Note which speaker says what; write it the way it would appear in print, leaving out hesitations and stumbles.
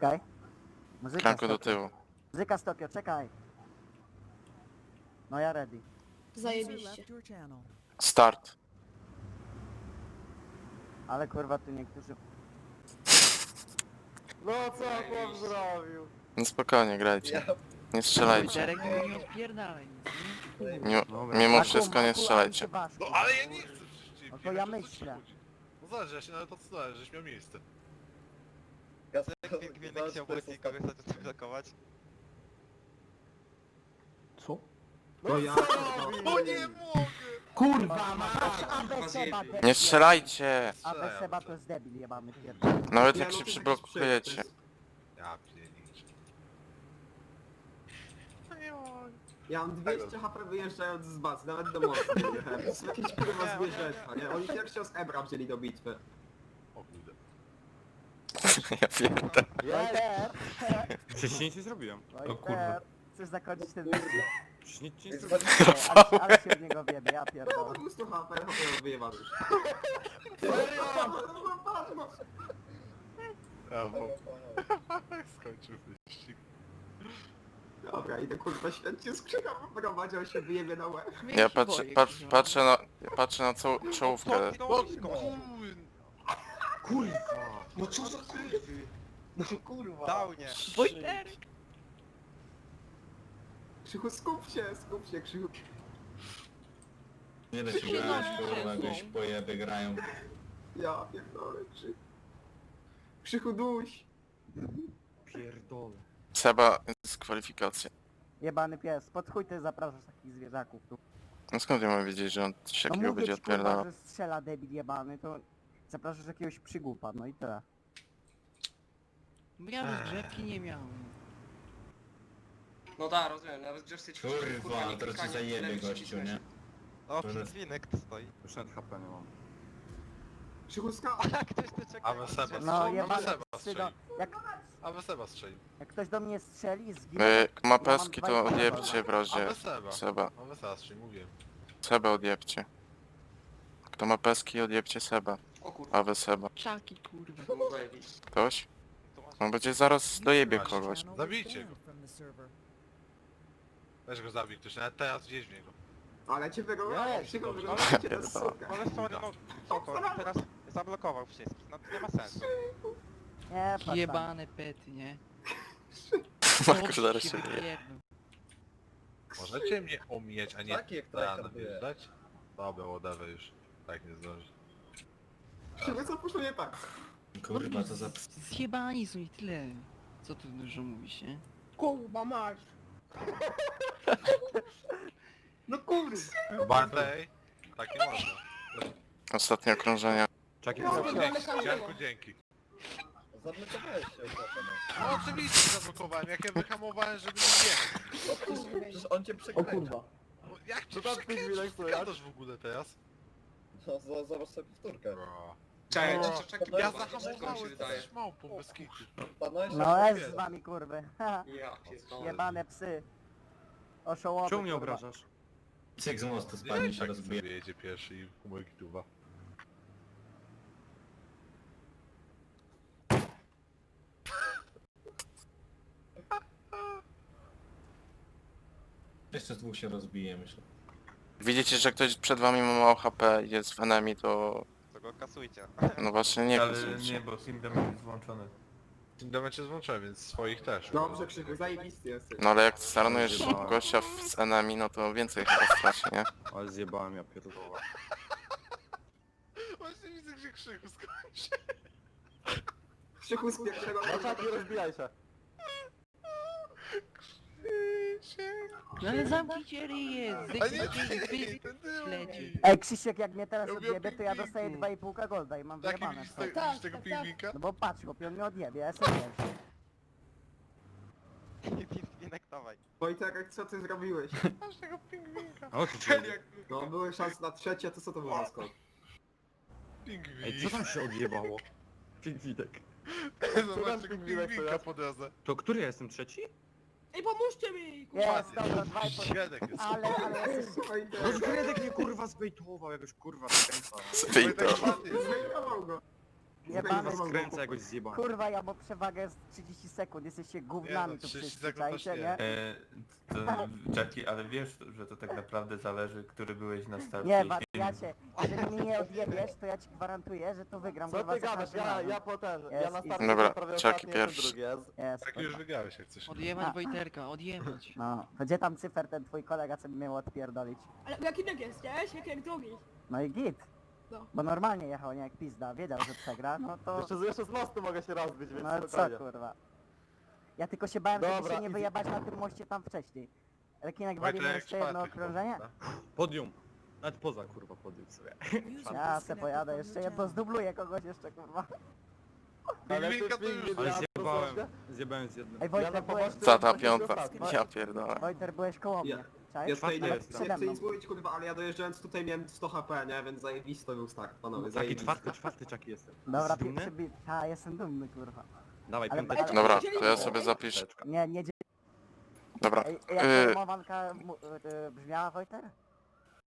Speaker 1: Czekaj. Muzyka z
Speaker 2: Kranko do
Speaker 1: Tokio.
Speaker 2: tyłu.
Speaker 1: Muzyka z Tokio, czekaj. No ja ready.
Speaker 3: Zajebiście.
Speaker 2: Start.
Speaker 1: Ale kurwa tu niektórzy...
Speaker 4: No co chłop zrobił?
Speaker 2: No spokojnie, grajcie. Nie strzelajcie.
Speaker 5: Derek, nie odpierdalaj nic,
Speaker 2: Mimo,
Speaker 4: Dobra.
Speaker 2: mimo wszystko nie strzelajcie.
Speaker 6: No ale ja nie chcę przecież cię
Speaker 1: No to
Speaker 6: biegać,
Speaker 1: ja
Speaker 6: o co ci
Speaker 1: myślę.
Speaker 6: chodzi? No zależy, ja się nawet odsunąłem, żeś miał miejsce.
Speaker 7: Gwinek chciał polecieć kogoś zablokować.
Speaker 4: Co?
Speaker 6: No
Speaker 4: ja-
Speaker 6: co robi? O nie mogę!
Speaker 4: Kurwa ma!
Speaker 1: Abe Seba, debil.
Speaker 2: Nie strzelajcie!
Speaker 1: Abe Seba to jest debil jebany pierdolę.
Speaker 2: Nawet
Speaker 4: Nie,
Speaker 2: jak
Speaker 4: no
Speaker 2: się
Speaker 4: to
Speaker 2: przyblokujecie.
Speaker 4: jakiś
Speaker 6: Ja pierniczę. No nie mogę.
Speaker 4: Ja mam 200 HP wyjeżdżając z bazy, nawet do mostu nie jechałem. To jest jakieś kurwa zwierzęta, nie? Oni pierwszy z Ebra wzięli do bitwy.
Speaker 6: O kurde.
Speaker 2: Ja pierdolę.
Speaker 1: Wojter!
Speaker 8: Przecież nic nie zrobiłem.
Speaker 1: Wojter! Chcesz zakończyć ten wyścig?
Speaker 8: Przecież nic nie zrobiłem.
Speaker 1: Ale się w niego wiebie, ja
Speaker 4: No
Speaker 1: pierdolę.
Speaker 4: 200 HP, wyjebany już.
Speaker 6: Brawo. Skończył wyścig.
Speaker 4: Dobra, idę kurwa świetnie skrzynka poprowadzi, on się wyjebie na łeb.
Speaker 2: Ja patrzę na czołówkę.
Speaker 6: O
Speaker 4: Kurwa! No co za kurwy? No kurwa!
Speaker 7: Downie!
Speaker 5: Wojterek!
Speaker 4: Krzychu, skup się, Krzychu.
Speaker 9: Nie da się grać, kurwa, jakieś pojeby grają.
Speaker 4: Ja pierdolę, Krzychu. Krzychu, duś!
Speaker 8: Pierdolę.
Speaker 2: Seba, dyskwalifikacja.
Speaker 1: Jebany pies, pod chuj ty zapraszasz takich zwierzaków tu.
Speaker 2: No skąd ja mam wiedzieć, że on coś
Speaker 1: No
Speaker 2: takiego
Speaker 1: mówię
Speaker 2: będzie
Speaker 1: ci, kurwa,
Speaker 2: odpierdalał?
Speaker 1: że strzela debil jebany, to zapraszasz jakiegoś przygłupa, no i tyle.
Speaker 5: Bo ja rozgrzewki nie miałem.
Speaker 10: No da, rozumiem, nawet grzeszcie ćwiczyć,
Speaker 9: Kurwa,
Speaker 10: nie
Speaker 9: teraz ci
Speaker 10: klikanie,
Speaker 9: zajebie
Speaker 10: tyle
Speaker 9: gościu,
Speaker 10: przycisnąć.
Speaker 9: nie?
Speaker 7: O, Gwinek tu stoi.
Speaker 8: Już nawet HP nie mam.
Speaker 4: Krzychu, skacz!
Speaker 7: A ktoś tu czeka.
Speaker 6: Awe Seba
Speaker 1: No
Speaker 6: strzelił.
Speaker 1: jebany
Speaker 6: Awe Seba
Speaker 1: psy, no,
Speaker 6: strzelił. Awe Seba strzelił.
Speaker 1: jak ktoś do mnie strzeli i zginie,
Speaker 2: Ma
Speaker 1: ja
Speaker 2: peski,
Speaker 1: mam
Speaker 2: to
Speaker 1: 2,5
Speaker 2: odjebcie w razie.
Speaker 6: Awe Seba.
Speaker 2: Seba.
Speaker 6: Awe Seba strzelił, mówiłem.
Speaker 2: Seba odjebcie. Kto ma peski, odjebcie Seba.
Speaker 10: O kurwa,
Speaker 2: Awe Seba.
Speaker 5: Czaki, kurwa.
Speaker 10: to mogło jakiś.
Speaker 2: Ktoś? On będzie zaraz dojebie kogoś.
Speaker 6: Zabijcie go. Weź go zabij ktoś, nawet teraz wjeźdź w niego.
Speaker 4: Ale cię wygląda, Krzychu,
Speaker 6: dobrze.
Speaker 4: wyglądacie to suka.
Speaker 7: Ale są, no, co to? Teraz zablokował wszystkich, no to nie ma sensu.
Speaker 1: nie, patrz tam.
Speaker 5: Jebane pety, nie?
Speaker 2: Marko zaraz się wyje.
Speaker 5: wypierdol.
Speaker 6: Możecie mnie omijać, a nie
Speaker 9: Taki jak
Speaker 6: rano
Speaker 9: traktor wie.
Speaker 6: wjeżdżać? Dobra, whatever już. Tak nie zdąży.
Speaker 4: Krzychu, co poszło nie tak?
Speaker 9: Kurwa, to za...
Speaker 5: Zjebani są i tyle. Co tu dużo mówisz, nie?
Speaker 3: Kurwa masz.
Speaker 4: No kurwa!
Speaker 6: Bartej? Tak nie można.
Speaker 2: Ostatnie okrążenia.
Speaker 8: Czaki,
Speaker 3: No,
Speaker 6: Dzięki, Janku, dzięki.
Speaker 9: Zablokowałeś się,
Speaker 6: No oczywiście zablokowałem, jak ja wyhamowałem, żeby nie jechać.
Speaker 9: przecież on cię przekręcił.
Speaker 6: No, jak cię przekręcisz, co gadasz w ogóle teraz?
Speaker 9: No, zobacz sobie powtórkę.
Speaker 10: Czekaj,
Speaker 6: No.
Speaker 10: czekaj,
Speaker 6: Ja
Speaker 10: kurwa, szybko mi się
Speaker 6: zahamowałem,
Speaker 10: wydaje.
Speaker 6: jesteś małpą, bez kitu.
Speaker 9: Stanąłeś
Speaker 1: No jest z wami kurwy, haha,
Speaker 10: Ja pierdolę.
Speaker 1: jebane psy. Oszołomy,
Speaker 8: czemu mnie
Speaker 1: kurwa.
Speaker 8: obrażasz?
Speaker 9: Cyk z mostu spadnie
Speaker 6: Nie,
Speaker 9: się
Speaker 6: tak
Speaker 9: rozbije.
Speaker 6: sobie jedzie pierwszy i humor gituwa.
Speaker 9: Jeszcze z dwóch się rozbije, myślę.
Speaker 2: Widzicie, że ktoś przed wami ma mało HP i jest w enemy, to...
Speaker 7: To go kasujcie.
Speaker 2: No właśnie nie
Speaker 8: Ale
Speaker 2: kasujcie.
Speaker 8: nie, bo Team Damage jest włączony.
Speaker 6: Tym momencie złączyłem, więc swoich też.
Speaker 4: Dobrze, Krzychu, zajebisty jesteś.
Speaker 2: No ale jak staranujesz gościa z enemy, no to więcej chyba straci, nie?
Speaker 8: Ale zjebałem, ja pierdolę.
Speaker 6: Właśnie widzę, gdzie Krzychu skończy.
Speaker 4: Krzychu z pierwszego...
Speaker 1: nie rozbijaj się.
Speaker 5: No ale zamknijcie ryje,
Speaker 6: A nie, ten tył.
Speaker 5: leci.
Speaker 1: Ej Krzysiek, jak mnie teraz
Speaker 6: Ja lubię
Speaker 1: odjebie, to ja
Speaker 6: pingwinki.
Speaker 1: dostaję 2,5 golda i mam
Speaker 6: Taki
Speaker 1: wyjebane.
Speaker 6: widzisz
Speaker 1: stary.
Speaker 6: widzisz tego pingwinka?
Speaker 1: No bo patrz, chłopie, on mnie odjebie, ja jestem pierwszy.
Speaker 7: Gwinek, dawaj.
Speaker 4: Wojtek, co ty zrobiłeś?
Speaker 6: Masz tego pingwinka.
Speaker 8: O, ty
Speaker 6: Ten jak
Speaker 4: No, były szanse na trzecie, to co to było za skok?
Speaker 6: pingwin.
Speaker 8: Ej, co tam się odjebało? Pingwinek.
Speaker 6: Zobacz tego pingwinka po drodze.
Speaker 8: To który ja jestem trzeci?
Speaker 3: Ej, pomóżcie mi!
Speaker 1: Jest, dobra, 2,5.
Speaker 6: Świadek jest.
Speaker 1: Ale jesteś...
Speaker 4: Wojtek,
Speaker 8: Gredek mnie kurwa zbejtował, jakoś kurwa zakręca.
Speaker 2: Spij to.
Speaker 4: zbejtował go.
Speaker 1: Jebany,
Speaker 8: Skręcę jakoś zjebany.
Speaker 1: kurwa, ja mam przewagę z 30 sekund, jesteście gównami tu
Speaker 6: 30
Speaker 1: wszyscy,
Speaker 6: sekund też
Speaker 1: czajcie,
Speaker 6: nie.
Speaker 1: nie?
Speaker 8: Jackie, ale wiesz, że to tak naprawdę zależy, który byłeś na starcie.
Speaker 1: Nie, wariacie, jeżeli mnie nie odjebiesz, to ja ci gwarantuję, że to wygram, kurwa, za każdym razem.
Speaker 2: Dobra, Chucky pierwszy.
Speaker 1: Jest,
Speaker 6: Tak już wygrałeś jak coś.
Speaker 5: Odjebać Wojterka, odjebać.
Speaker 1: no, to gdzie tam cyfer ten twój kolega, co by miał odpierdolić?
Speaker 3: Ale jaki tak jest, nie? Jak drugi.
Speaker 1: No i git.
Speaker 3: No.
Speaker 1: Bo normalnie jechał, nie jak pizda, wiedział, że przegra, no to...
Speaker 11: Jeszcze z mostu mogę się rozbić, więc
Speaker 1: No co kurwa. Ja tylko się bałem, żeby się nie wyjebać na tym moście tam wcześniej. Rekinek walimy
Speaker 6: Wojtek
Speaker 1: jeszcze jedno
Speaker 6: czwarty
Speaker 1: okrążenie?
Speaker 8: Podium. Nawet poza kurwa podium sobie.
Speaker 1: Ja se pojadę jeszcze jedno, zdubluję kogoś jeszcze kurwa.
Speaker 6: Pingwinka to już...
Speaker 8: Ale zjebałem z jednym.
Speaker 1: Ej Wojter, byłeś...
Speaker 2: Za ta piąta. Ja pierdolę.
Speaker 1: Wojter, byłeś koło mnie.
Speaker 4: Ja
Speaker 1: Czaisz?
Speaker 4: tutaj nie,
Speaker 1: Nawet
Speaker 4: nie
Speaker 1: przede
Speaker 4: chcę
Speaker 1: mną.
Speaker 4: nic mówić, kurwa, ale ja dojeżdżając tutaj miałem 100 HP, nie? Więc zajebisty był start, panowie,
Speaker 8: Taki
Speaker 4: zajebisty.
Speaker 8: czwarty Chucky jestem.
Speaker 1: Dobra,
Speaker 8: Dumny?
Speaker 1: ta, jestem dumny kurwa.
Speaker 8: Dawaj,
Speaker 1: Ale-
Speaker 8: piąteczka.
Speaker 2: Dobra, to ja sobie zapiszę.
Speaker 1: Nie, nie...
Speaker 2: Dobra.
Speaker 1: Ej, jak ta mowanka brzmiała Wojter?